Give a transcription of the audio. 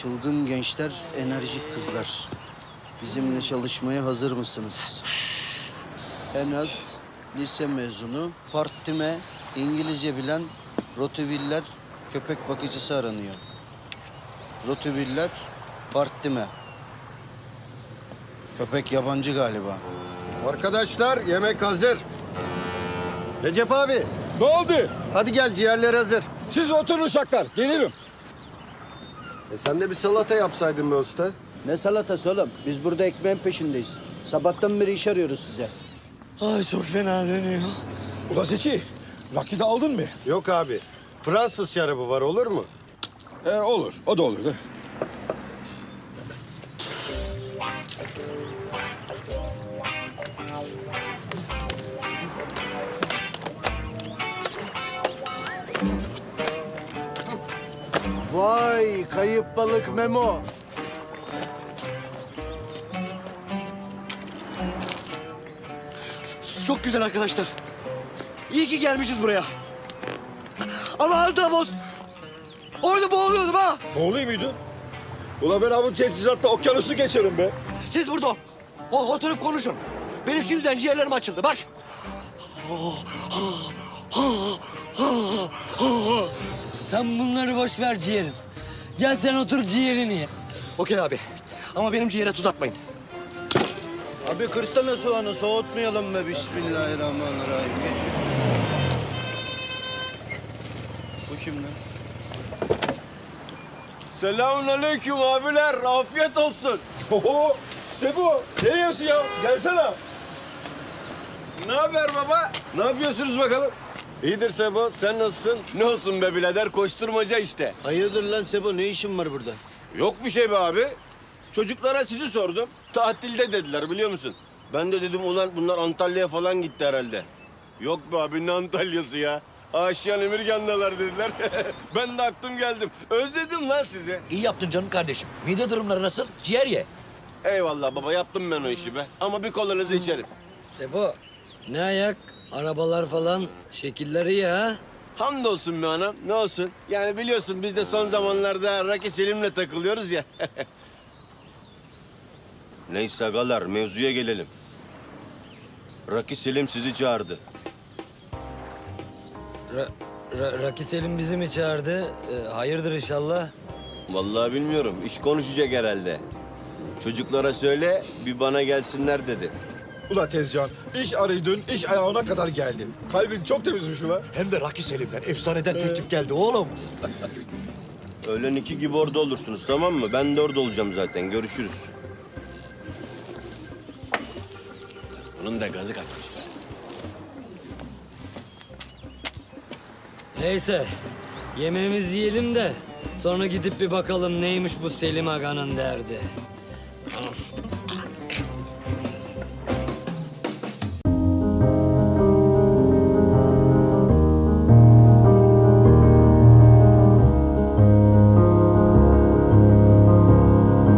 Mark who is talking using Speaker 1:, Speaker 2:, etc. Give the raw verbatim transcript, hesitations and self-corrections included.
Speaker 1: Çılgın gençler, enerjik kızlar. Bizimle çalışmaya hazır mısınız? En az lise mezunu, partime, İngilizce bilen Rottweiler köpek bakıcısı aranıyor. Rottweiler, partime. Köpek yabancı galiba.
Speaker 2: Arkadaşlar yemek hazır. Recep abi
Speaker 3: Ne oldu?
Speaker 2: hadi gel ciğerler hazır.
Speaker 3: Siz oturun uşaklar. Gelirim.
Speaker 2: E sen de bir salata yapsaydın be usta.
Speaker 1: Ne salatası oğlum? Biz burada ekmeğin peşindeyiz. Sabahtan beri iş arıyoruz size.
Speaker 4: Ay çok fena dönüyor.
Speaker 3: Ula Seçi, rakı da aldın mı?
Speaker 2: Yok abi. Fransız şarabı var olur mu?
Speaker 3: He olur, o da olur da.
Speaker 1: Vay kayıp balık Memo.
Speaker 4: Çok güzel arkadaşlar. İyi ki gelmişiz buraya. Ama az daha boz. Orada boğuluyordum ha.
Speaker 3: Ne oluyor muydu? Ula ben abi teçhizatla okyanusu geçerim be.
Speaker 4: Siz burada o, oturup konuşun. Benim şimdiden ciğerlerim açıldı bak.
Speaker 5: Sen bunları boş ver ciğerim. Gel sen otur ciğerini ye.
Speaker 4: Okey abi. Ama benim ciğere tuz atmayın.
Speaker 1: Abi kırsana soğanı, soğutmayalım be. Bismillahirrahmanirrahim. Geç geç. Bu kim lan?
Speaker 6: Selamünaleyküm abiler. Afiyet olsun.
Speaker 3: Oho, Sebo, ne yiyorsun ya? Gelsene.
Speaker 6: Ne haber baba? Ne yapıyorsunuz bakalım?
Speaker 2: İyidir Sebo sen nasılsın?
Speaker 6: Ne olsun be birader, koşturmaca işte.
Speaker 1: Hayırdır lan Sebo? Ne işin var burada?
Speaker 6: Yok bir şey be abi. Çocuklara sizi sordum. Tatilde dediler biliyor musun? Ben de dedim ulan bunlar Antalya'ya falan gitti herhalde. Yok be abi ne Antalya'sı ya? Aşiyan Emirgan'dalar dediler. Ben de aklım geldim. Özledim lan sizi.
Speaker 4: İyi yaptın canım kardeşim. Mide durumları nasıl? Ciğer ye.
Speaker 6: Eyvallah baba, yaptım ben o işi be. Ama bir kolanızı içerim.
Speaker 5: Sebo, ne ayak? Arabalar falan, şekilleri ya.
Speaker 6: Hamdolsun be anam, ne olsun? Yani biliyorsun biz de son zamanlarda Raki Selim'le takılıyoruz ya. Neyse agalar, mevzuya gelelim. Raki Selim sizi çağırdı.
Speaker 5: Ra Ra Raki Selim bizi mi çağırdı? Ee, hayırdır inşallah.
Speaker 6: Vallahi bilmiyorum, iş konuşacak herhalde. Çocuklara söyle, bir bana gelsinler dedi.
Speaker 3: Ula Tezcan, iş arıydın, iş ayağına kadar geldi. Kalbin çok temizmiş ula.
Speaker 4: Hem de Raki Selim'den efsaneden teklif geldi oğlum.
Speaker 6: Öğlen iki gibi orada olursunuz, tamam mı? Ben de orada olacağım zaten, görüşürüz. Bunun da gazı kaçmış be.
Speaker 5: Neyse, yemeğimizi yiyelim de sonra gidip bir bakalım neymiş bu Selim Aga'nın derdi.